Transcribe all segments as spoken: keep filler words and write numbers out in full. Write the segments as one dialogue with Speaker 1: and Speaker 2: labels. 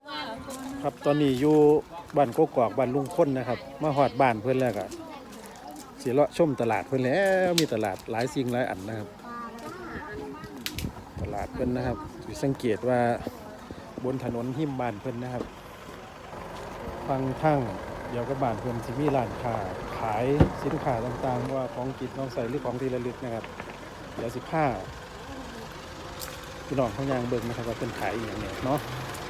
Speaker 1: ครับตอนนี้อยู่บ้านกกอกบ้านลุงพ้นนะครับมาหอดบ้านเพื่อนแล้วก็เสียเลาะชมตลาดเพื่อนแล้วมีตลาดหลายสิ่งหลายอันนะครับตลาดเพื่อนนะครับสังเกตว่าบนถนนหิมบ้านเพื่อนนะครับฟังทั้งเดี๋ยวกับบ้านเพื่อนที่มีร้านค้าขายสินค้าต่างๆว่าของกินของใส่หรือของที่ระลึกนะครับเดี๋ยวสิผ้าพี่น้องเขายางเบิ่งนะครับว่าเป็นขายอย่างเนี้ยเนาะ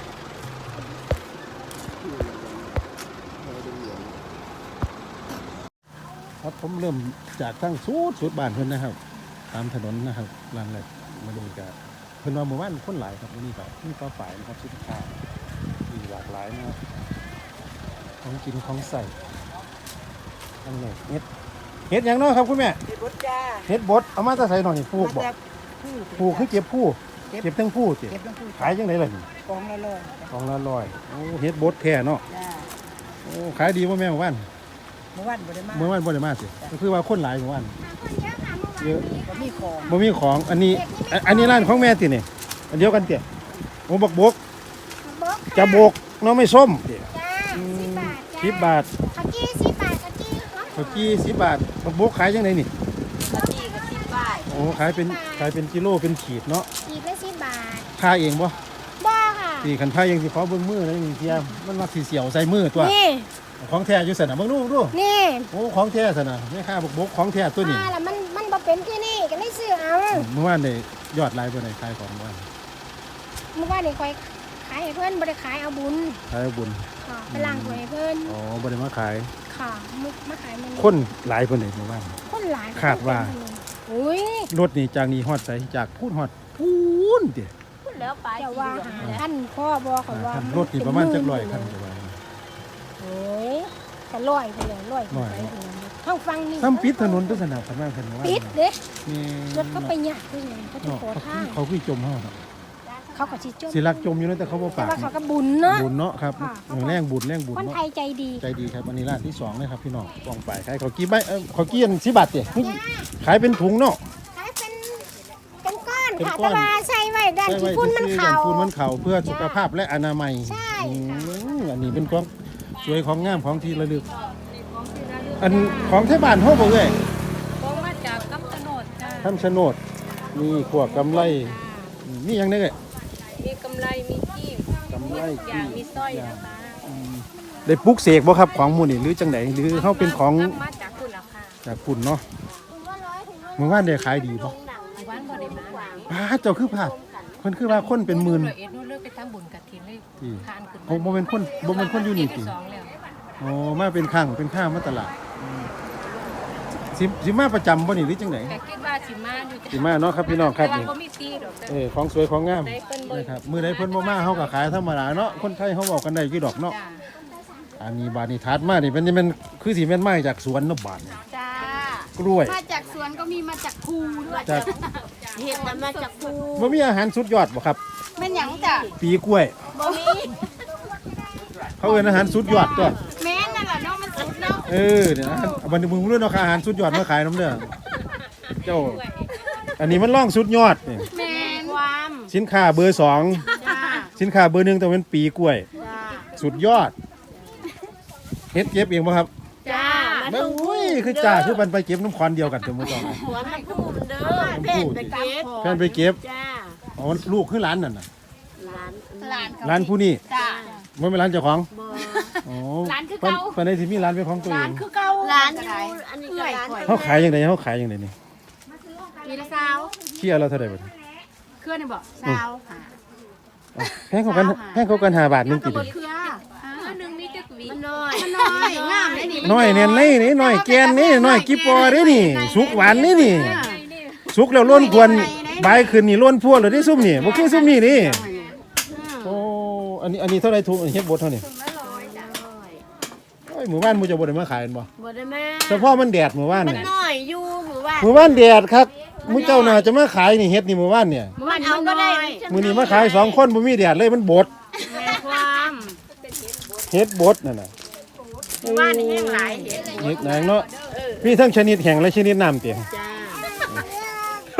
Speaker 1: ครับผมเริ่มจากตั้งสุดสุดบ้านเพื่อนนะครับตามถนนนะครับร้านแรกมาดูกันเพื่อนว่าหมู่บ้านคนหลายครับวันนี้แบบนี่ก็ฝ่ายนะครับสินค้ามีหลากหลายนะครับของกินของใส่อันนี้เฮ็ดเฮ็ดอย่างน้อยครับคุณแม่
Speaker 2: เฮ็ดบดจ้า
Speaker 1: เฮ็ดบดเอามาจะใส่หน่อยผูกบอกผูกคือเก็บผู้เก็บทั้งผู้เก็บขายยังไงล่ะนี่
Speaker 2: กองละร้อย
Speaker 1: กองละร้อยโอ้เฮ็ดบดแท้เนาะโอ้ขายดีป่ะแม่หมู่บ้าน
Speaker 2: เมื่อวันบ่ได้มา
Speaker 1: เมื่อวันบ่ได้มาสิก็คือว่าคนหลายหมู่บ้านเยอะ
Speaker 2: บ่มีของ
Speaker 1: บ่มีของอันนี้อันนี้ร้านของแม่ตินี่อันเดียวกันเตี่ยโอ้บักบกจะบกเนาะไม่ส้มเตี่ยสิบบาท
Speaker 3: ข้าวจี้สิบบาทข้าวจี้
Speaker 1: ข้าวจี้สิบบาทบักบกขายยังไงนี่
Speaker 2: ข้าวจี้ก็สิบบาท
Speaker 1: โอ้ขายเป็นขายเป็นกิโลเป็นขีดเนาะ
Speaker 3: ขีดละสิบบาท
Speaker 1: พาเองบ่
Speaker 3: บ่ค่ะ
Speaker 1: ตีขันพายังสิขอเบิ่งมือแล้วนี่เทียมมันมาสีเสียวใส่มือตัว
Speaker 3: นี่
Speaker 1: ของแท้อยู่ซั่นน่ะเบิ่งดูดู
Speaker 3: นี่
Speaker 1: โอ้ของแท้ซั่นน่ะแม่ค้าบักบกของแท้ตัวนี้
Speaker 3: อ่าแล้วมันมันบ่เป็นที่นี่ก็เลยซื้อเอา
Speaker 1: เมื่อวานได้ยอดหลายบ่ได้ขายของบ่
Speaker 3: เมื่อวานนี่ค่อยขายให้เพิ่นบ่ได้ขายเอาบุญ
Speaker 1: ขายเอาบุญ
Speaker 3: ค่ะไปล้างถ้วยให้เพิ่น
Speaker 1: อ๋อบ่ได้มาขาย
Speaker 3: ค่ะมุกมาขายมัน
Speaker 1: คนหลายเพิ่นได้เมื่อวาน
Speaker 3: คนหลาย
Speaker 1: คาดว่า
Speaker 3: อุ้ย
Speaker 1: รถนี่จากนี้ฮอดไสจากพูนฮอดพูนติ
Speaker 3: พูนแล้วไปจะว่าท่านพ่อบ่เขาว่าร
Speaker 1: ถนี่ประมาณจักร้อยคันจะว่า
Speaker 3: โอ้ยก็ร้อยไปเลยร้อยไปทางฟังนี่
Speaker 1: ซ้ำปิดถนนตัวสนามคันว่าคันว่า
Speaker 3: ปิดเด้
Speaker 1: นี่
Speaker 3: รถเขาไปยากด้วยไงเขาจะขอทาง
Speaker 1: เขาคือจมเฮา
Speaker 3: เขาก็สิจม
Speaker 1: สิรักจมอยู่นะแต่เขาบ่ปาก
Speaker 3: แต่ว่าเขาก็บุญเนาะ
Speaker 1: บุญเนาะครับแรงบุญแรงบุญ
Speaker 3: คน
Speaker 1: เนาะ
Speaker 3: ไทยใจดี
Speaker 1: ใจดีครับอันนี้ร้านที่สองนะครับพี่น้องกองไปขายข้าวกี้ใบเอ่อข้าวกี้อันสิบบาทติขายเป็นถุงเนาะ
Speaker 3: ขายเป็นเป็นก้อนค่ะแต่ว่าใส่ไว้ด้านที่ฝุ่นมันเข่า
Speaker 1: ฝุ่นมันเข่าเพื่อสุขภาพและอนามัย
Speaker 3: ใช่
Speaker 1: อันนี้เป็นของสวยของงามของที่ระลึกอันของไทยบ้านเฮาบ่เอ้ย
Speaker 2: ของมาจากคำชะโนดจ้า
Speaker 1: คำชะโนดมีขวบกำไรมีหยังได้เอ้ย
Speaker 2: มีกำไรมีจี้
Speaker 1: กำไร
Speaker 2: จี้มีสร้อยนะคะ
Speaker 1: ได้ปลุกเสกบ่ครับของหมู่นี่หรือจังได๋หรือเฮาเป็นของ
Speaker 2: มาจากคุณล่ะค่ะ
Speaker 1: จากคุณเนาะเมื่อวานได้ขายดีบ่
Speaker 2: วานบ่ได้มา
Speaker 1: ป้าเจ้าคือพลาดเพิ่นคือว่าคนเป็นหมื่น
Speaker 2: เอ็ดนู่นเลิกไปทำบุญกฐินเลยทานขึ้น
Speaker 1: โอ้บ่เป็นคนบ่เป็นคนอยู่นี่ติอ๋อมาเป็นข้างเป็นข้างมาตลาดสิสิมาประจำบ่นี่หรือจังได๋
Speaker 2: คิดว่าสิมาอยู่
Speaker 1: สิมาเนาะครับพี่น้องครับนี่
Speaker 2: บ่มีตีดอก
Speaker 1: เออของสวยของงามนะครับมื้อใดเพิ่นบ่มาเฮาก็ขายธรรมดาเนาะคนไทยเฮาเว้ากันได้กี่ดอกเนาะอันนี้บาดนี้ทัดมานี่เป็นมันคือสิแม่นมาจากสวนเนาะบาดนี่
Speaker 3: จ้าก
Speaker 1: ล้วย
Speaker 3: มาจากสวนก็มีมาจากภูด้วย
Speaker 1: จาก
Speaker 3: เห็ดมันมาจากภู
Speaker 1: บ่มีอาหารสุดยอดบ่ครับ
Speaker 3: แม่นหยังจ้ะ
Speaker 1: ปีกล้วย
Speaker 3: บ่มี
Speaker 1: เขาเอิ้นอาหารสุดยอดตัว
Speaker 3: แม่นนั่นล่ะเนาะมันสุดเนาะ
Speaker 1: เออเนี่ยบัดนี้มึงรู้เนาะอาหารสุดยอดมาขายนำเด้อเจ้าอันนี้มันร่องสุดยอดนี่
Speaker 3: แม่นความ
Speaker 1: สินค้าเบอร์สอง
Speaker 3: จ้า
Speaker 1: สินค้าเบอร์หนึ่งต้องเป็นปีกล้วย
Speaker 3: จ้า
Speaker 1: สุดยอดเฮ็ดเก็บเองบ่ครับ
Speaker 3: จ้า
Speaker 1: มาอุ้ยคือจ้าคือมันไปเก็บน้ำควันเดียวกันเด้อมื้อต้อง
Speaker 3: สวนมันพูดเด้อแพ่นไปเก็บ
Speaker 1: แพ่นไปเก็บ
Speaker 3: จ้า
Speaker 1: อ๋อลูกคือร้านนั่นน่ะ
Speaker 3: ร้าน
Speaker 1: ร้านร้านผู้นี้
Speaker 3: จ้า
Speaker 1: บ่แม่นร้านเจ้าของ
Speaker 3: บ่
Speaker 1: อ๋อ
Speaker 3: ร้านคือเก่า
Speaker 1: ปานใดสิมีร้านเป็นของตัวเองร้าน
Speaker 3: คือเก่าร้านอยู่อันนี้ก็ร้าน
Speaker 1: เฮาขายจังได๋เฮาขายจังได๋นี่
Speaker 3: มีละซาว
Speaker 1: เที่ยละเท่าใดบัดนี้
Speaker 3: เครือนี่บ่ซาว
Speaker 1: แพงกว่ากันแพงกว่ากันห้าบาทนึงติดิ
Speaker 3: เครือ
Speaker 2: นึงมีจักหวี
Speaker 3: มันน้อยมันน้อยงามเลยนี่
Speaker 1: น้อยแน่นเลยนี่น้อยแกนนี่น้อยกี่ปอเด้นี่สุกหวานนี่นี่สุกแล้วล้นควรใบขึ้นนี่ล้นพวงแล้วนี่ซุ่มนี่บ่คือซุ่มนี่นี่โอ้อันนี้อันนี้เท่าไหร่ถุงเฮ็ดบดเท่านี้โอ้ยหมู่บ้านหมู่จะบ่ได้มาขายบ่
Speaker 3: บ่ได้มา
Speaker 1: เฉพาะมันแดดหมู่บ้าน
Speaker 3: มันน้อยอยู่หมู่บ้าน
Speaker 1: หมู่บ้านแดดครับมื้อเจ้าน่าจะมาขายนี่เฮ็ดนี่หมู่บ้านเนี่ย
Speaker 3: หมู่บ้านเอาก็ได้
Speaker 1: มื้อนี้มาขายสองคนบ่มีแดดเลยมันบด
Speaker 3: แม่ความ
Speaker 1: เฮ็ดบดนั่นน่ะ
Speaker 3: หมู่บ้านนี่แห้งหลายเฮ็ด
Speaker 1: เฮ็ดแห้งเนาะมีทั้งชนิดแห้งและชนิดน้ำติ
Speaker 3: จ้า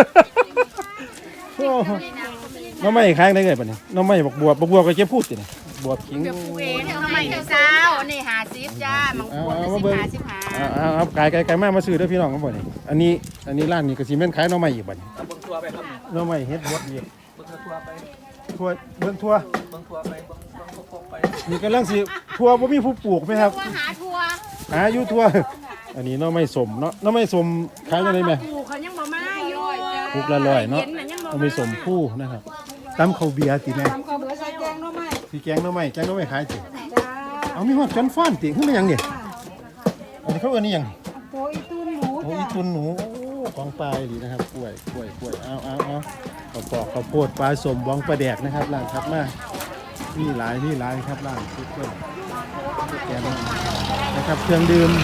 Speaker 1: โอ้น้องไม่ขายได้ไงบัดนี้น้องไม่บอกบัวบัวก็เก็บพูดติบวบขิง
Speaker 2: เดี๋ยวปลูกเอง
Speaker 4: ทำไมถึงเช้านี่หาซิปจ้ามังคุดสิบหาสิบหา
Speaker 1: อ่าๆๆไก่ไก่ไก่มามาซื้อเด้อพี่น้องครับบ่นี่อันนี้อันนี้ร้านนี้ก็สิแม่นขายหน่อไม้อีกบัดนี้
Speaker 5: เบิ่งทัวร์ไปครับ
Speaker 1: หน่อไม้เฮ็ดบดอีก
Speaker 5: เบิ่งทัวร์ไป
Speaker 1: ทั่วเบิ่งทั่ว
Speaker 5: เบิ่งทัวร์ไปเบิ่งเบิ่งพกไป
Speaker 1: นี่กำลังสิทั่วบ่มีผู้ปลูกไหมครับ
Speaker 2: ว่าหาทัวร์
Speaker 1: หาอยู่ทั่วอันนี้หน่อไม้สมเนาะหน่อไม้สมขายจังได๋แม่
Speaker 4: ปลูกเขายังบ่มาอยู่
Speaker 1: ปลูกละร้อยเนาะเอาไปสมผู้นะครับตำข้าวเบียร์ติแม่
Speaker 4: ทำข้าวเบื่อใส่แกงหน่อไม้
Speaker 1: สิแกงหน่อไม้แกงหน่อไม้ขายสิ
Speaker 4: จ้า
Speaker 1: เอามีฮอดจนฟ้อนติคือมันหยังนี่อันนี้เขาเอิ้นนี่หยัง
Speaker 4: โอ้ยตุ้นหมู
Speaker 1: โอ้
Speaker 4: จ้าย
Speaker 1: ตุนหนูโอ้ของปลาดีนะครับกล้วยกล้วยกล้วยเอาเอาเอาข้าวปอกข้าวโพดปลาสมบองปลาแดกนะครับร้านถัดมามีหลายมีหลายครับร้านซุปเปอร์แกงนะครับเครื่องดื่ม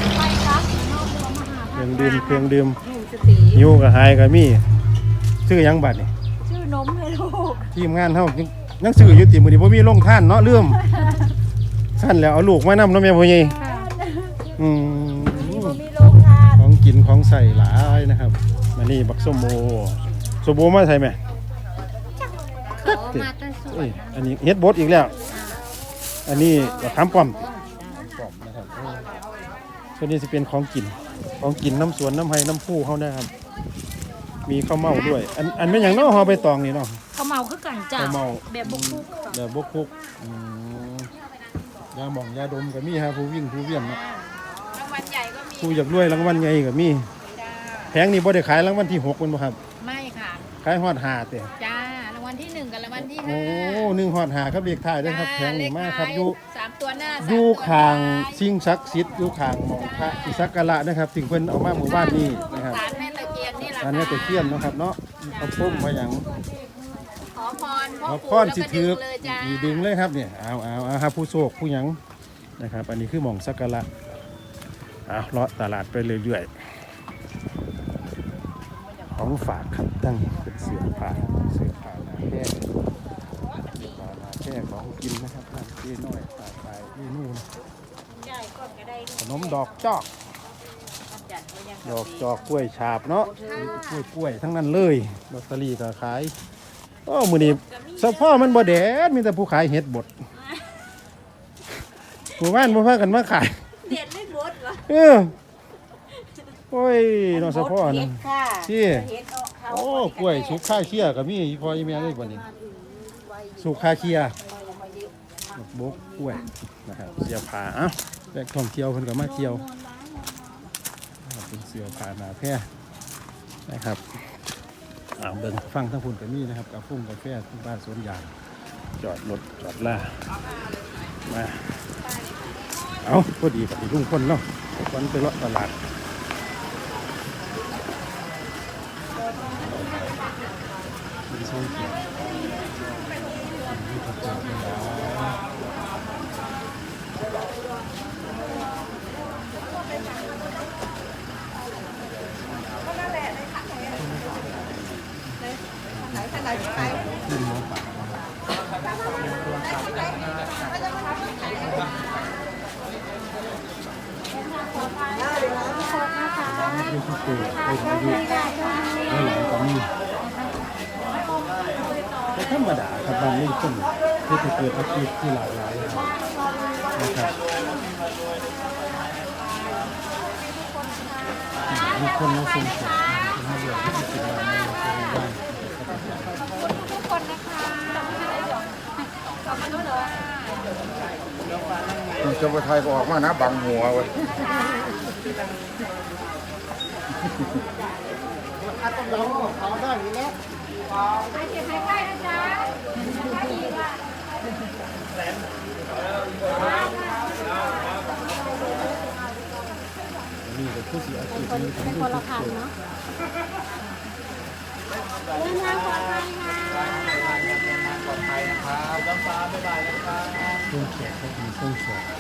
Speaker 1: เครื่องดื่มเครื่องดื่มยูกับไฮกับมีชื่อหยังบัดนี่
Speaker 3: ชื่อนมเลยลูก
Speaker 1: ทีมงานเฮายังยังซื้ออยู่ติมื้อนี้บ่มีลงท่านเนาะลืมท่านแล้วเอาลูกมานำเนาะแม่พ่อใหญ่อืม
Speaker 3: มีโรงทาน
Speaker 1: ของกินของใส่หลายนะครับมานี่บักส้มโอส้มโอมาใส่ไหม
Speaker 2: ขอมาตั้งสว
Speaker 1: เอ้
Speaker 2: น
Speaker 1: ยอันนี้เฮ็ดบดอีกแล้ว อันนี้บักขามป้อมป้อมนะครับเออส่วนนี้จะเป็นของกินของกินน้ำสวนน้ำไห้น้ำผู้เขานะครับ มีข้าวเม่าด้วย อันอันเป็นอย่างเน้อหอใบตองนี่เนาะ
Speaker 3: เขาเมาคือกันจ้า
Speaker 1: ข้าวเม่า
Speaker 3: แบบบุกคุก
Speaker 1: แบบบกคุกอืมยาหม่องยาดมก็มีฮะผู้วิ่งผู้เวียนเนาะ
Speaker 4: รางวัลใหญ่ก็มี
Speaker 1: ผู้อยากรวยรางวัลใหญ่ก็มี
Speaker 4: จ้า
Speaker 1: แพงนี่บ่ได้ขายรางวัลที่หกมันบ่ครับ
Speaker 4: ไม่ค่ะ
Speaker 1: ขายฮอดหาเตะ
Speaker 4: จ้ารางวัลที่หนึ่งกับรางวัลที่
Speaker 1: โอ้
Speaker 4: ห้า
Speaker 1: หนึ่งฮอดหาครับเรียกถ่ายด้วยครับแพงนี่มากครับอยู่
Speaker 4: สามตัวหน้า
Speaker 1: อ
Speaker 4: สาม
Speaker 1: ยู่
Speaker 4: ตัว
Speaker 1: ข้าง
Speaker 4: ท้ย
Speaker 1: สิ่งศักดิ์สิทธิ์อยู่ข้างหมองพระที่สักการะนะครับถึงเพิ่นเอามาหมู่บ้านนี้นะครับ
Speaker 4: ศาลแม่ตะเคียนนี่แหละ
Speaker 1: อันนี้ตะเคียนเนาะครับเนาะเอาปุ้มมาอย่าง
Speaker 4: ขอพรพ่อ
Speaker 1: เอา
Speaker 4: ปู่
Speaker 1: ค้อน
Speaker 4: แล้ว
Speaker 1: สิ
Speaker 4: ก็
Speaker 1: ถื
Speaker 4: ดึ
Speaker 1: อง
Speaker 4: เลยจ้า
Speaker 1: อีดึงเลยครับเนี่ยเอาเอาเอาครับผู้โชคผู้หยังนะครับ อันนี้คือหม่องสักการะเอาเลาะตลาดไปเรื่อยๆของฝากครับตั้งเป็นเสื้อผ้าเสื้อผ้าหน้าแค่ผ้าหน้าแค่ของกินนะครับร้านเจ๊น้อยตาตายเมนูนะขนมดอกจอก ดอกจอกกล้วยฉาบเนาะกล้วยกล้วยทั้งนั้นเลยลอตเตอรี่ก็ขายโอ้มื้อนี้เฉพาะมันบ่แดดมีแต่ผู้ขายเห็ดบดหมู่บ้านบ่พากันมาขาย
Speaker 3: เด็ดไม่บดเหรอ
Speaker 1: เออโอ้ยเนาะเฉพาะนะที่โอ้กล้วยสุกค่าเคียก็มีอีพ่ออีแม่เลยบัดนี้สุกค่าเคียบกกล้วยนะครับเสียผ้าเอ้าแหล่งท่องเที่ยวเพิ่นก็มาเที่ยวเป็นเสือผ่าหนาแพร่นะครับอ่าเบิ่งฟังทั้งพุ่นกับนี่นะครับกาฟุ้งกาแฟที่บ้านสวนยางจอดรถจอดล่ามาเอาพอดีกับที่ลุงคนเนาะวันไปเลาะตลาดมีโซนเขียวมีผักกาดขาวขึ้นหมูป่าดูที่ตัวไปถึงอายุแล้วหลังก็มีแต่ธรรมดาครับบางรุ่นคนที่จะเกิดอาชีพที่หลากหลายนะครับมีคนมาส่งเสริมมาเรียนที่จะเป็นงานในโรงเรียนบ้าง
Speaker 2: ทุกคนนะคะขอบคุณเลย
Speaker 6: คุณจะไปไทยก็ออกมานะบังหัวเว้ย
Speaker 2: ไปเก็บใกล้ๆนะจ๊ะ
Speaker 1: นี่เป็นผู้เสียชีวิตมีทั้ง
Speaker 3: เป็น
Speaker 1: ลู
Speaker 3: ค
Speaker 1: ก
Speaker 3: นละพันเนาะเดินทางปลอดภัยค่ะ
Speaker 5: ปลอดภัยนะครับน้ำฟ้าบ๊ายบายนะครับ
Speaker 1: ต้นแขกก็มีต้นแขก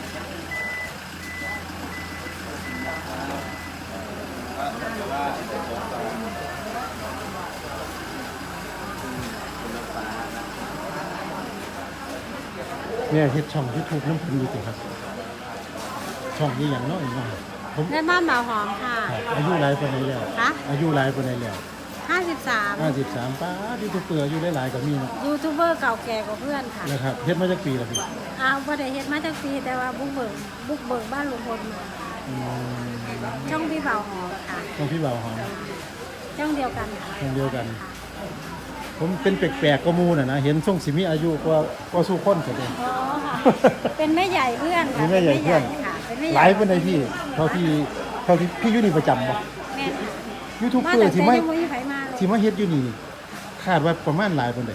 Speaker 1: เนี่ยเฮ็ดช่องยูทูบน้ำพันอยู่ติครับช่องนี้อย่างน้อยหน่อยผม
Speaker 3: แม่บ้านหมาหอมค่ะ
Speaker 1: อายุหลายปานใดแล้ว
Speaker 3: คะ
Speaker 1: อายุหลายปานใดแล้ว
Speaker 3: ห้าสิบบสาม
Speaker 1: ห้าสิบสามป้ายูทูบเบอร์อยู่หลายๆก็มีเนาะ
Speaker 3: ยูทูบเบอร์เก่าแก่กว่าเพื่อนค่ะ
Speaker 1: นะครับเฮ็ดมาจากปีละพี่
Speaker 3: อ้าวบ่ได้เฮ็ดมาจากปีแต่ว่าบุกเบิกบุกเบิกบ้านลุงพลมา
Speaker 1: อืม
Speaker 3: ช่องพี่บ่าวหอค่ะ
Speaker 1: ของพี่บ่าวหอม
Speaker 3: ช่องเดียวกันค่ะ
Speaker 1: ช่องเดียวกัน ผมเป็นแปลกๆก็มูน่ะนะเห็นช่วงสิมีอายุกว่ากว่าสู้คนเสียเลย
Speaker 3: อ๋อค่ะเป็นแม่ใหญ่เพื่อนค่ะ
Speaker 1: เป็นแม่ใหญ่เพื่อน
Speaker 3: ค่ะเป็นแม่ให
Speaker 1: ห
Speaker 3: ญ่
Speaker 1: ลายเป็นไดพี่เท่าที่เท่าที่พี่อยู่นี่ประจำบ่
Speaker 3: แม่ค่ะ
Speaker 1: ยูทูบ
Speaker 3: มา
Speaker 1: เบอ
Speaker 3: แต่
Speaker 1: ร์ที่
Speaker 3: แต่
Speaker 1: ไม่
Speaker 3: ยังไม่มีไผมาเลย
Speaker 1: ที่มาเฮ็ดอยู่นี่คาดว่าประมาณหลายเป็นได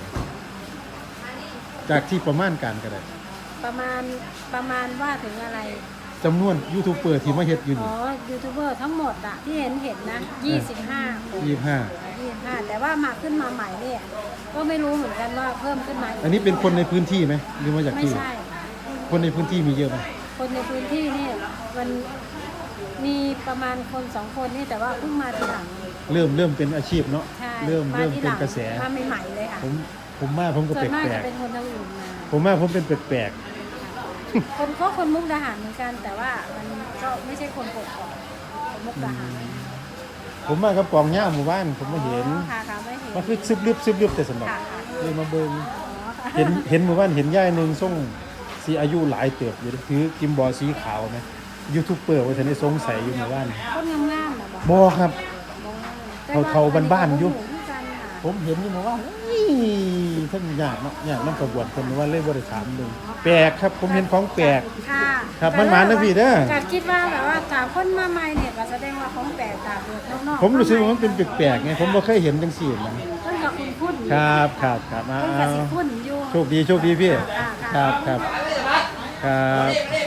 Speaker 1: จากที่ประมาณการก็ได้
Speaker 3: ประมาณประมาณว่าถึงอะไร
Speaker 1: จำนวนยูทูบเบอร์ที่มาเฮ็ดอยู่
Speaker 3: อ๋
Speaker 1: นี่
Speaker 3: อยูทูบเบอร์ทั้งหมดอะที่เห็นเห็นนะยี่สิบห้าคน
Speaker 1: ยี่สิบห้า
Speaker 3: ยี่สิบห้าแต่ว่ามาขึ้นมาใหม่เนี่ยก็ไม่รู้เหมือนกันว่าเพิ่มขึ้นมา
Speaker 1: อันนี้เป็นคนในพื้นที่ไหมหรือมาจาก
Speaker 3: ไม่
Speaker 1: ที่
Speaker 3: ใช่
Speaker 1: คนในพื้นที่มีเยอะไหม
Speaker 3: คนในพื้นที่นี่มันมีประมาณคนสองคนนี่แต่ว่าเพิ่งมาทีหลัง
Speaker 1: เริ่มเริ่มเป็นอาชีพเนาะ
Speaker 3: ใช่
Speaker 1: เริ่ม
Speaker 3: มา
Speaker 1: เริ่ม
Speaker 3: ทีห
Speaker 1: เป็น
Speaker 3: ลัง
Speaker 1: กระแส
Speaker 3: มาใหม่ๆเลยค่ะ
Speaker 1: ผมผมมาผมก็
Speaker 3: ส่ว
Speaker 1: แป
Speaker 3: นมาก
Speaker 1: ล
Speaker 3: จะ
Speaker 1: ก
Speaker 3: เป็นคนทางอื่นมา
Speaker 1: ๆผมมาผมเป็นแปลก
Speaker 3: คนก็คนมุกดาหารเหมือนกัน แต่ว่ามันก็ไม่ใช่คนกดก่อนคนมุกดาหาร
Speaker 1: ๆผมมากับกองย่าหมู่บ้านผมมาเห็น
Speaker 3: อ๋อค่ะค่ะไม่เห็น
Speaker 1: มันคือซึบลึบซึบลึบแต่สนุก
Speaker 3: ค่ะค่ะ
Speaker 1: เลยมาเบิ่ง
Speaker 3: อ๋อค่ะ
Speaker 1: เห็นเห็นหมู่บ้านเห็นย่ายหนึ่งส่งสีอายุหลายเติบอยู่ถือกิมบอลสีขาวไหมยูทูบเบอร์ว่าจะได้สงสัยอยู่หมู่บ้าน
Speaker 3: คนงามๆนะบอก
Speaker 1: บอครับ
Speaker 3: แต่ว่
Speaker 1: เทาๆบ้านๆอยู่
Speaker 3: เหมือนกันค่ะ
Speaker 1: ผมเห็นอยู่หมู่บ้านเฮ้ยท่านยากเนาะยากน้ำกระบวนคนว่าเล่บริถามดึงแปลกครับผมเห็นของแปลก
Speaker 3: ค่ะ
Speaker 1: ครับมันหมานะพี่เด้อ
Speaker 3: กคิดว่าแบบว่าถามคนมาใหม่เนี่ยก็แสดงว่าของแปลกตามเด็กนอกๆ
Speaker 1: ผมรู้สึกว่ามันเป็นแปลกๆไงผมบ่เคยเห็นจังซี่นะ
Speaker 3: เพิ่นกับคุณพูด
Speaker 1: ครับครับครับมา
Speaker 3: เพิ่นกับสิคุณอยู่
Speaker 1: โชคดีโชคดีพี่
Speaker 3: ค่ะ
Speaker 1: ครับครับครับ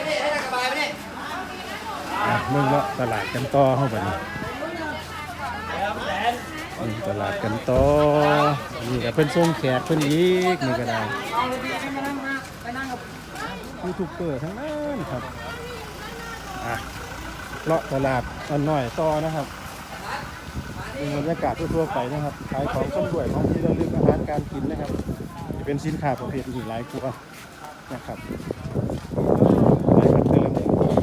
Speaker 1: อ่ะมึงเลาะตลาดกันต่อเข้าไปนี่อืมตลาดกันต่อนี่ก็เพิ่นส่งแขกเพิ่นอีกนี่ก็ได้ยูทูบเบอร์ทั้งนั้นครับอ่ะเลาะตลาดอันน้อยต่อนะครับเป็นบรรยากาศทั่วๆไปนะครับขายของต้นด้วยของที่ระลึกอาหารการกินนะครับจะเป็นสินค้าประเภทอื่นหลายกว่านะครับหลายครับเดือน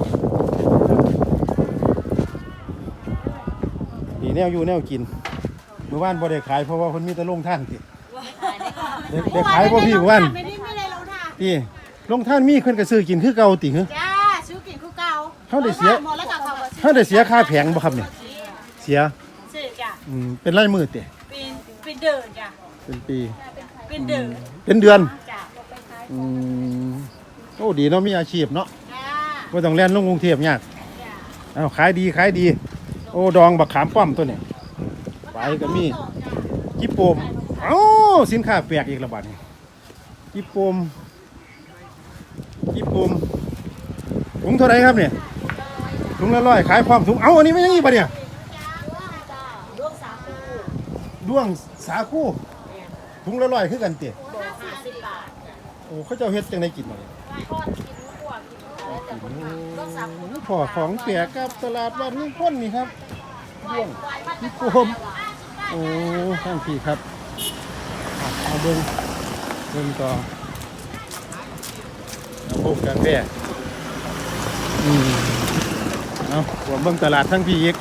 Speaker 1: นี่แนวอยู่แนวกินเมื่อวานบ่ได้ขายเพราะว่าเพิ่นมีแต่ลงท่านติได้ได้ขายบ่พี่เมื่อวาน
Speaker 2: ไม่ได้ไม่ได้ลงท่า
Speaker 1: พี่ลงท่านมีเพิ่นก็ซื้อกินคือเก่าติหึ
Speaker 2: จ้าซื้อกินคู่เก่า
Speaker 1: เฮาได้เสีย
Speaker 2: หมดแล้วกับเขาก็ซื้อ
Speaker 1: เฮาได้เสียค่าแผงบ่ครับเนี่ยเสีย
Speaker 2: ซื้อจ้ะ
Speaker 1: อืมเป็นรายมือติ
Speaker 2: เป็นเป็นเดินจ้ะ
Speaker 1: เป็นปี
Speaker 2: เป็นเดิน
Speaker 1: เป็นเดือน
Speaker 2: จ้ะ
Speaker 1: อืมโอ้ดีเนาะมีอาชีพเนาะ
Speaker 2: จ้า
Speaker 1: บ่ต้องแล่นลงกรุงเทพยาก
Speaker 2: จ้ะ
Speaker 1: เอ้าขายดีขายดี โอ้ดองบักขามป้อมตัวนี้ไปก็มีจิโปมเอ้าสินค้าแปลกอีกและบาดนี้จิโปมจิโปมถุงเท่าไหร่ครับเนี่ยถุงละร้อยขายพร้อมถุงเอ้าอันนี้ไม่ยังอีกปะเนี่ยด้วงสาคูถุงละร้อยคือกันเตี๋ยโอ้เขาเจ้าเฮ็ดจังไดกินมาเนี่ยพอของแปลกครับตลาดบ้านลุงพ้นนี่ครับด้วงจิโปมโอ้ข้างพี่ครับอ่ะเอาเบิ่งเบิ่งต่อเอาพบกันแม่อืมเอาผมเบิ่งตลาดทั้งพี่อีก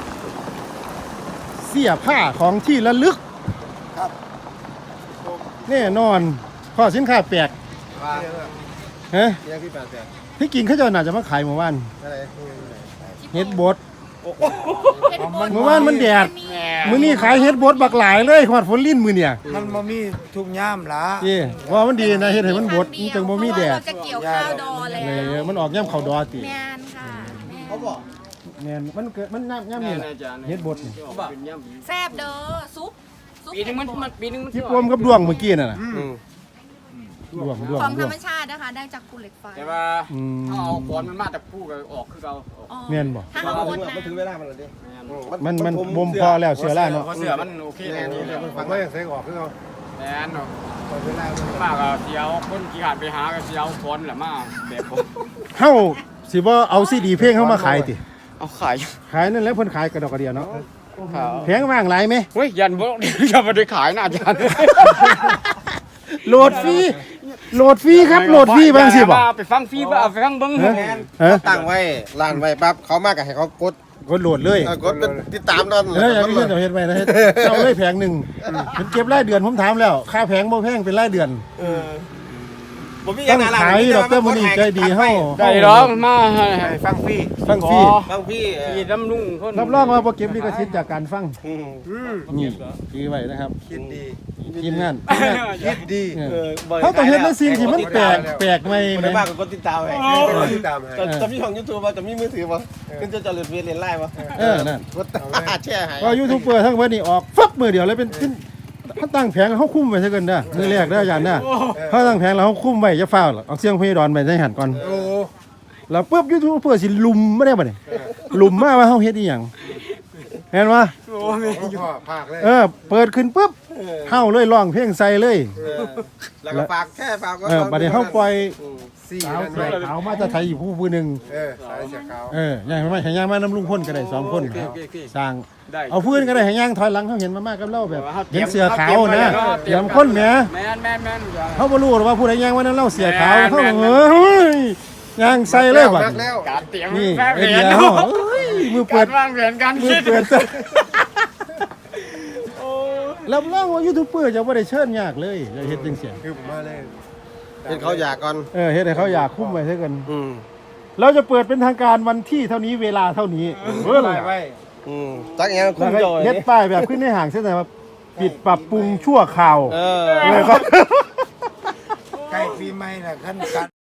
Speaker 1: เสียผ้าของที่ระลึกครับแน่นอนข้อสินค้าแปลกฮะ
Speaker 6: ยังพี่แปดแปด
Speaker 1: ที่กินเขาเจะน่าจะมาขายเมื่อวาน
Speaker 6: อะไร
Speaker 1: เฮ็ดบดเมื่อวานมันแดดมื้อนี้ขายเฮ็ดบดบักหลายเลยฮอดฝนลิ้นมื้อเนี่ย
Speaker 5: มันมามีทุกย่ามละ
Speaker 1: นี่ว่ามันดีนะเฮ็ดให้มันบดมันจังบ่มีแดด
Speaker 4: เราจะเกี่ยวข้าวดอแล้
Speaker 1: เล
Speaker 4: วย
Speaker 1: มันออกย่ำเข้าดอติ
Speaker 4: แมนค่ะ
Speaker 5: เขาบอก
Speaker 1: แม่นมันเกิดมันย่ำย่ำนี่แหละเฮ็ดบดนี่
Speaker 5: เขาบอก
Speaker 4: แซ่บเด้อซุปซุป
Speaker 5: ปีนึงมันมันปีนึงมัน
Speaker 1: ที่รวมกับดวงเมื่อกี้นั่นน่ะดวงดวง
Speaker 4: ของ
Speaker 1: ด
Speaker 4: ธร
Speaker 1: วง
Speaker 4: รมชาตินะคะ ได้จากภูเหล็กไฟ
Speaker 5: แต่ว่า
Speaker 1: อืม
Speaker 5: เอาเอาก้อนมันมาแต่ผู้ก็ออกคือเรา
Speaker 4: อ๋อ
Speaker 1: แม่นบ่
Speaker 4: ถ้าเขาโอนนะ
Speaker 6: มันถึงเวลามันแล้วดิ
Speaker 1: มันมันบ่มพอแล้วเสือล่าเนาะ
Speaker 5: เพราะเสือมันโอเคแน่นี่เลย
Speaker 6: มันฟังแล้วยังใส่ออกคือเขา
Speaker 5: แน่นเนาะ
Speaker 6: เวลา
Speaker 5: มากอะเสียวคนกี่ขาดไปหาก็เสียวก้อนแหละมาแบบผม
Speaker 1: เฮาสิบ่เอาซีดีเพลงเฮามาขายติ
Speaker 5: เอาขาย
Speaker 1: ขายนั่นแหละเพิ่นขายกระดอกกระเดียเนาะ
Speaker 5: ขาย
Speaker 1: แพงว่างหลายไหม
Speaker 5: เฮ้ยยันบ่อย่าไปได้ขายนะอาจารย์
Speaker 1: โหลดฟรีโหลดฟรีครับโหลดฟรีบางสิบ่
Speaker 5: ไปฟังฟรีบ่เอาไปฟังเบิ่ง
Speaker 1: ฮะฮะ
Speaker 6: ตั้งไว้ร้านไว้ปั๊บเขามากกับให้เขากด
Speaker 1: กดโหลดเลย
Speaker 6: กดติดตามนั่น
Speaker 1: เอออย่างนี้เจ้าเฮ็ดไว้นะเฮ็ดเอาเลยแผงหนึ่งมันเก็บรายเดือนผมถามแล้วค่าแผงบ่แพงเป็นรายเดือน
Speaker 5: เออผมมี
Speaker 1: ต้องขายดอกเตอร์มื้อนี้ใจดีเฮา
Speaker 7: ได้ร้องมา
Speaker 5: ฟังพี่
Speaker 1: ฟังฟรี
Speaker 5: ฟังพี่
Speaker 7: ที่ดำลุงคน
Speaker 1: รับรองว่าบ่เก็บลิขสิทธิ์จากการฟัง
Speaker 5: อืม
Speaker 1: นี่คือไว้นะครับ
Speaker 6: คิดดี
Speaker 1: ทีมงาน
Speaker 6: คิดดี
Speaker 1: เออเขาต้องเห็นในสิ่งที่มันแปลกแปลกใหม่
Speaker 5: คน
Speaker 1: ไหม
Speaker 5: ได้มากกว่ากดติดตามไง
Speaker 6: ติดตามให้
Speaker 5: จะจะมีของยูทูบป่ะจะมีมือถือป่ะขึ้นจะจะเล่นเวียนเล่นไล่ป่ะ
Speaker 1: เออนั่น
Speaker 6: กดแช่ให้
Speaker 1: ก็ยูทูบเบอร์ทั้งเบิดนี่ออกฟับมือเดียวเลยเป็นขึ้นเขาตั้งแผงเขาคุ้มไว้ซะเกินเด้อมือแรกเด้ออาจารย์เด้อเขาตั้งแผงแล้วเขาคุ้มไว้จะฟ้าวหรอกเอาเสียงพี่ดอนไปใส่หันก่อน
Speaker 6: โอ้
Speaker 1: แล้วปุ๊บยูทูบเบอร์สิลุมไม่ได้บ่เนี่ยลุมมาว่าเฮาเฮ็ดอีหยังเห็นบ่
Speaker 6: พ่อภาคเลย
Speaker 1: เออเปิดขึ้นปุ๊บเฮาเลยร้องเพลงใส่เลย
Speaker 5: แล้วก็ฝากแค่ฝาก
Speaker 1: เออบัดนี้เฮาปล่อย
Speaker 6: สี่
Speaker 1: สาว
Speaker 6: นั่น
Speaker 1: เสี
Speaker 6: ไว้
Speaker 1: ยขาวมาจะไทยอยู่ผู้ผู้หนึง
Speaker 6: เออสายเสียขาว
Speaker 1: เออย่างมาให้ย่างมาน้ำลุงพ่นก็ได้สองคน
Speaker 7: โอเคโอเคโอเค
Speaker 1: สร้าง
Speaker 7: ได้
Speaker 1: เอาพื้นก็ได้ให้ย่างถอยหลังเขาเห็นมามากกับเล่าแบบ
Speaker 7: เตรี
Speaker 1: เห็
Speaker 7: ย
Speaker 1: น
Speaker 7: ม
Speaker 1: เสือขาว
Speaker 7: เตรีย
Speaker 1: นะ
Speaker 7: มไว้แล้ว
Speaker 1: เตรียมคนแหม
Speaker 7: แม่นแม่นแม่น
Speaker 1: เขาบ่รู้หรอกว่าผู้ใดย่างว่านั้นเล่าเสือขาว
Speaker 7: แม่น
Speaker 1: เขา
Speaker 7: แม่น
Speaker 1: เออย่างใส่เลยบัด
Speaker 6: นักแล้ว
Speaker 7: การเตรียม
Speaker 1: นี่
Speaker 7: แม่
Speaker 1: ไอ
Speaker 7: เรี
Speaker 1: เดี
Speaker 7: ย
Speaker 1: ย
Speaker 7: น
Speaker 1: เขาเอ้ยมือเปิ
Speaker 7: กา
Speaker 1: ด
Speaker 7: รวางแผนการ
Speaker 1: มือ
Speaker 7: คิด
Speaker 1: เปิดรับรองว่ายูทูบเบอร์จะบ่ได้เชิญยากเลยจะเฮ็ดจังซี่
Speaker 6: คือผมมาเลย
Speaker 5: เป็นเขาอยากก่อน
Speaker 1: เออเฮ็ดให้เขาอยากคุ้มไว้ซะกัน
Speaker 5: อืม
Speaker 1: เราจะเปิดเป็นทางการวันที่เท่านี้เวลาเท่านี้เออ
Speaker 6: ไว้
Speaker 5: อืมจักอย่างคุ้
Speaker 1: แล้ว
Speaker 5: ม
Speaker 1: ก็
Speaker 5: จอย
Speaker 1: เฮ็ดป้ายแบบขึ้นในห่างเส้นไหนว่าปิดปรับปรุงชั่วคราว
Speaker 5: เออ
Speaker 1: เลยครับ
Speaker 6: ใกล้ปีใหม่น่ะขั้นกัน